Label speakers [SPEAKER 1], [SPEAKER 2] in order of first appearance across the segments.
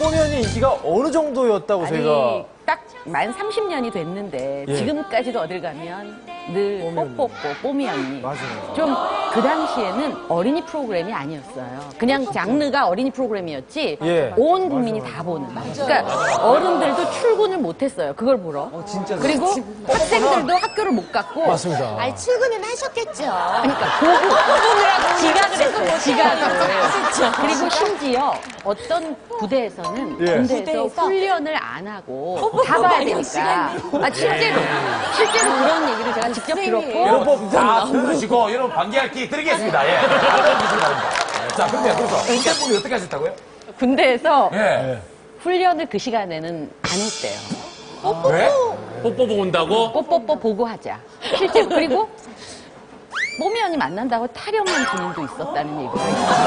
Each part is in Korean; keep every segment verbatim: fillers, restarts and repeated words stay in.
[SPEAKER 1] 뽀면이 인기가 어느 정도였다고
[SPEAKER 2] 아니,
[SPEAKER 1] 저희가
[SPEAKER 2] 딱 만 삼십 년이 됐는데
[SPEAKER 1] 예.
[SPEAKER 2] 지금까지도 어딜 가면 늘 뽀뽀뽀 뽀미 언니.
[SPEAKER 1] 맞아요.
[SPEAKER 2] 좀 그 당시에는 어린이 프로그램이 아니었어요. 그냥 장르가 어린이 프로그램이었지
[SPEAKER 1] 예.
[SPEAKER 2] 온 국민이 다 보는. 그러니까 어른들도 출근을 못했어요. 그걸 보러. 그리고 학생들도 학교를 못 갔고.
[SPEAKER 1] 맞습니다.
[SPEAKER 3] 아니, 출근은 하셨겠죠.
[SPEAKER 2] 그러니까 보고 지각을 했어요. 지각을. 그리고 심지어 어떤 부대에서는
[SPEAKER 1] 예.
[SPEAKER 2] 군대에서
[SPEAKER 3] 부대에서?
[SPEAKER 2] 훈련을 안 하고 다 봐야 되니까. 아, 실제로 실제로 그런 얘기를 제가 직접 들었고.
[SPEAKER 4] 여러분 다 들으시고 여러분 반기할 기회 드리겠습니다. 예. 자, 근데 그래서 군대분이 어떻게 하셨다고요?
[SPEAKER 2] 군대에서
[SPEAKER 4] 예.
[SPEAKER 2] 훈련을 그 시간에는 안 했대요.
[SPEAKER 4] 왜?
[SPEAKER 5] 뽀뽀 보고 온다고?
[SPEAKER 2] 뽀뽀뽀 보고 하자. 실제로. 그리고 뽀미 언니 만난다고 타령한 군인도 있었다는 얘기가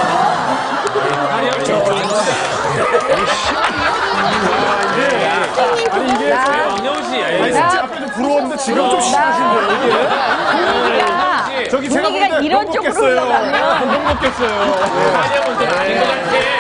[SPEAKER 1] 아니 이게
[SPEAKER 2] 나-
[SPEAKER 5] 왕영우 씨.
[SPEAKER 1] 아니
[SPEAKER 5] 예.
[SPEAKER 1] 진짜 앞에도 부러웠는데 지금 좀 심하신데요 이게?
[SPEAKER 2] 분위기가,
[SPEAKER 1] 저기 제가
[SPEAKER 2] 분위기가
[SPEAKER 1] 볼 때
[SPEAKER 2] 이런
[SPEAKER 1] 못
[SPEAKER 2] 쪽으로
[SPEAKER 1] 먹겠어요.
[SPEAKER 2] 흘러가면
[SPEAKER 1] 못 먹겠어요.
[SPEAKER 5] 한영은 좀 아닌 것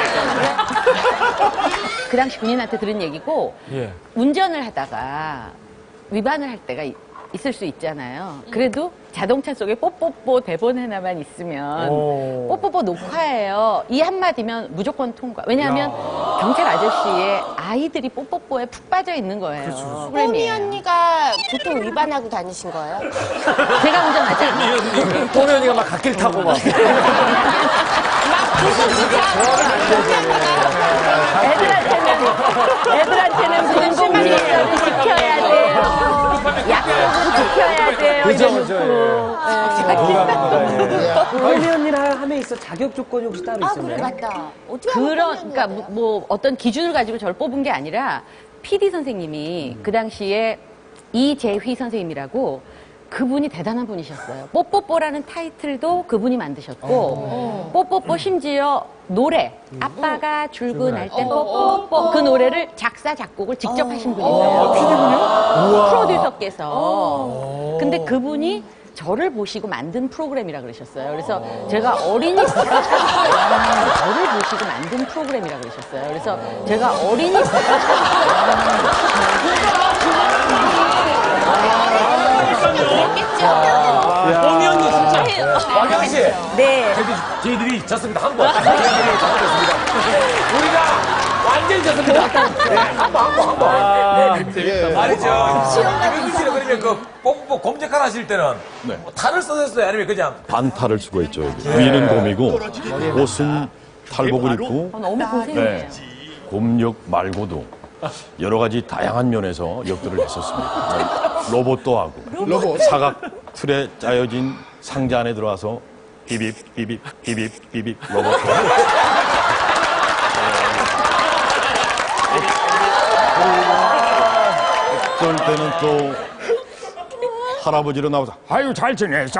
[SPEAKER 5] 같아.
[SPEAKER 2] 그 당시 군인한테 들은 얘기고
[SPEAKER 1] 예.
[SPEAKER 2] 운전을 하다가 위반을 할 때가 이- 있을 수 있잖아요. 그래도 자동차 속에 뽀뽀뽀 대본 하나만 있으면
[SPEAKER 1] 오.
[SPEAKER 2] 뽀뽀뽀 녹화해요. 이 한마디면 무조건 통과. 왜냐하면 경찰 아저씨의 아이들이 뽀뽀뽀에 푹 빠져 있는 거예요.
[SPEAKER 3] 뽀미
[SPEAKER 2] 프로그램이에요.
[SPEAKER 3] 언니가 보통 위반하고 다니신 거예요?
[SPEAKER 2] 제가 운전하지 않아요.
[SPEAKER 1] 뽀면이가 막 갓길 타고 막.
[SPEAKER 2] 애들한테는 애들한테는 공공질서를 지켜야 돼요. 약속을 지켜야 돼요.
[SPEAKER 1] 그죠,
[SPEAKER 2] 이래놓고.
[SPEAKER 1] 그죠, 예.
[SPEAKER 2] 네.
[SPEAKER 6] 뽀미 언니랑 함에 있어 자격 조건이 혹시 따로
[SPEAKER 3] 아,
[SPEAKER 6] 있었나요?
[SPEAKER 3] 그래, 맞다. 어떻게 하면
[SPEAKER 2] 그런,
[SPEAKER 3] 뽀미
[SPEAKER 2] 그러니까
[SPEAKER 3] 언니가
[SPEAKER 2] 뭐, 뭐 어떤 기준을 가지고 저를 뽑은 게 아니라 피디 선생님이 그 당시에 이재휘 선생님이라고 그분이 대단한 분이셨어요. 뽀뽀뽀라는 타이틀도 그분이 만드셨고 뽀뽀뽀 심지어 노래 아빠가 출근할 때 뽀뽀뽀 그 노래를 작사 작곡을 직접 하신 분이세요.
[SPEAKER 1] 피디군요?
[SPEAKER 2] 프로듀서께서. 근데 그분이 저를 보시고 만든 프로그램이라 그러셨어요. 그래서 제가 어린이 저를 보시고 만든 프로그램이라 그러셨어요. 그래서 제가 어린이
[SPEAKER 5] 뽀미 언니 진짜.
[SPEAKER 4] 왕영 씨.
[SPEAKER 2] 네.
[SPEAKER 4] 저희들이, 저희들이 졌습니다. 한 번. 저희들이 잘못했습니다. 우리가 완전히 졌습니다. 네, 한 번, 한 번, 한 번. 말이죠. 이명준 씨는 그러면 그 뽀뽀 검색하라 하실 때는 뭐 탈을 써셨어요? 아니면 그냥
[SPEAKER 7] 반탈을 쓰고 있죠. 여기. 위는 곰이고 옷은 탈복을 입고
[SPEAKER 2] 어, 너무 고생이에요.
[SPEAKER 7] 네. 곰역 말고도 여러 가지 다양한 면에서 역도를 했었습니다. 네. 로봇도 하고 사각 틀에 짜여진 상자 안에 들어와서 비빕 비빕 비빕 비빕 로봇도 하고 어떨 때는 또 할아버지로 나와서 아유 잘 지냈어.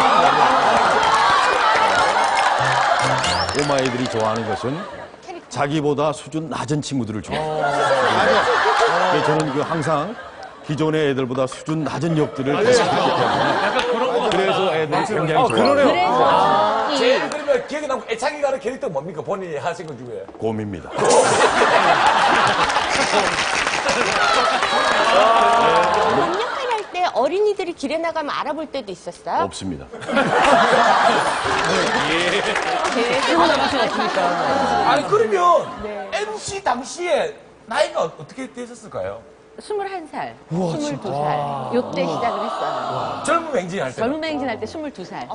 [SPEAKER 7] 꼬마애들이 좋아하는 것은 자기보다 수준 낮은 친구들을 좋아해요. 그래서 저는 그 항상 기존의 애들보다 수준 낮은 역들을 계속 했기 때문에 그래서 애들이 굉장히
[SPEAKER 1] 아,
[SPEAKER 7] 좋아해요.
[SPEAKER 2] 그래서
[SPEAKER 4] 제일 그러면 기억에 남고 애착이 가는 캐릭터 뭡니까? 본인이 하신 것 중에.
[SPEAKER 7] 곰입니다.
[SPEAKER 3] 검역할 때 어린이들이 길에 나가면 알아볼 때도 있었어요?
[SPEAKER 7] 없습니다.
[SPEAKER 4] 아니, 그러면 엠씨 당시에 나이가 어떻게 되셨을까요?
[SPEAKER 2] 스물한 살, 스물두 살 요때 시작을 했어요.
[SPEAKER 4] 젊은 행진 할 때.
[SPEAKER 2] 젊은 행진할 때 스물두 살.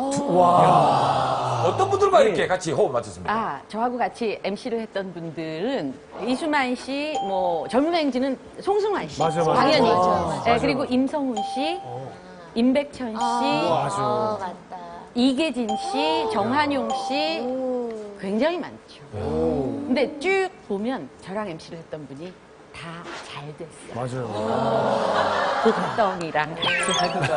[SPEAKER 4] 어떤 분들과 이렇게 같이 호흡 맞췄습니까?
[SPEAKER 2] 아, 저하고 같이 엠씨를 했던 분들은 이수만 씨, 뭐 젊은 행진은 송승환 씨,
[SPEAKER 1] 맞아, 맞아.
[SPEAKER 2] 당연히.
[SPEAKER 3] 맞아, 맞아.
[SPEAKER 2] 네, 그리고 임성훈 씨, 임백천 씨,
[SPEAKER 3] 어, 맞다.
[SPEAKER 2] 이계진 씨, 정한용 씨 굉장히 많죠. 근데 쭉 보면 저랑 엠씨를 했던 분이 다 잘 됐어요.
[SPEAKER 1] 맞아요.
[SPEAKER 2] 고떡이랑 같이 하는 거.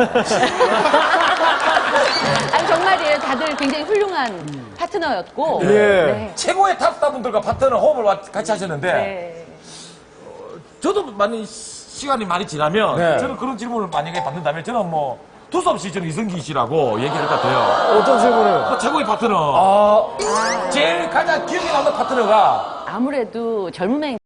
[SPEAKER 2] 아니 정말이에요. 다들 굉장히 훌륭한 파트너였고.
[SPEAKER 1] 예.
[SPEAKER 2] 네.
[SPEAKER 4] 최고의 탑스타분들과 파트너 호흡을 와- 같이 하셨는데
[SPEAKER 2] 네.
[SPEAKER 4] 저도 많이 시- 시간이 많이 지나면
[SPEAKER 1] 네.
[SPEAKER 4] 저는 그런 질문을 만약에 받는다면 저는 뭐 두서없이 저는 이승기 씨라고 얘기할 것 같아요.
[SPEAKER 1] 어떤 질문을?
[SPEAKER 4] 뭐 최고의 파트너.
[SPEAKER 1] 아,
[SPEAKER 4] 제일 가장 기억에 남는 파트너가
[SPEAKER 2] 아무래도 젊은 행